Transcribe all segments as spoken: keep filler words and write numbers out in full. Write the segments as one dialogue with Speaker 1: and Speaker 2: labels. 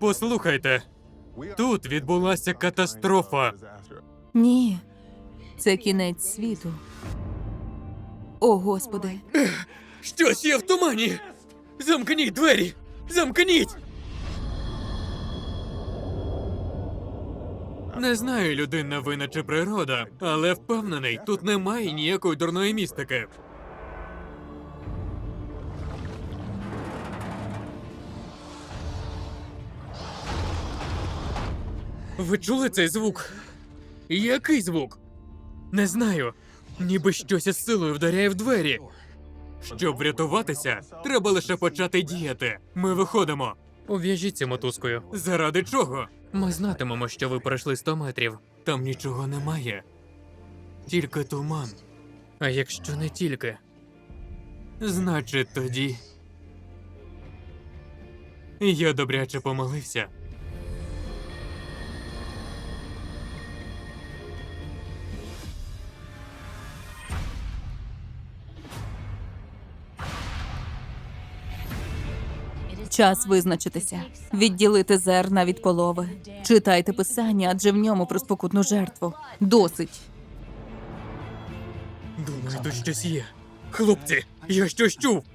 Speaker 1: Послухайте, тут відбулася катастрофа.
Speaker 2: Ні, це кінець світу. О, Господи.
Speaker 1: Щось є в тумані! Замкніть двері! Замкніть! Не знаю, людинна вина чи природа, але впевнений, тут немає ніякої дурної містики. Ви чули цей звук? Який звук? Не знаю. Ніби щось із силою вдаряє в двері. Щоб врятуватися, треба лише почати діяти. Ми виходимо. Ув'яжіться мотузкою. Заради чого? Ми знатимемо, що ви пройшли сто метрів. Там нічого немає. Тільки туман. А якщо не тільки? Значить, тоді... Я добряче помилився.
Speaker 2: Час визначитися. Відділити зерна від полови. Читайте писання, адже в ньому про спокутну жертву. Досить.
Speaker 1: Думаю, тут щось є. Хлопці, я щось чув.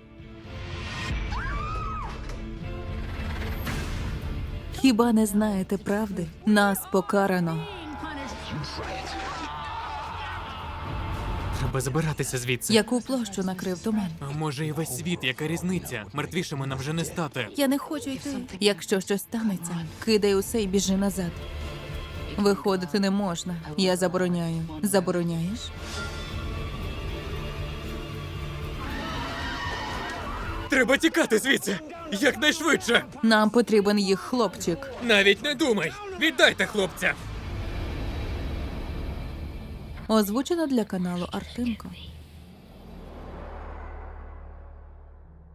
Speaker 2: Хіба не знаєте правди? Нас покарано.
Speaker 1: Треба забиратися звідси.
Speaker 2: Яку площу накрив туман?
Speaker 1: А може і весь світ, яка різниця? Мертвішими нам вже не стати.
Speaker 2: Я не хочу йти. Якщо щось станеться, кидай усе і біжи назад. Виходити не можна. Я забороняю. Забороняєш?
Speaker 1: Треба тікати звідси! Якнайшвидше!
Speaker 2: Нам потрібен їх хлопчик.
Speaker 1: Навіть не думай! Віддайте хлопця!
Speaker 2: Озвучено для каналу Артемко.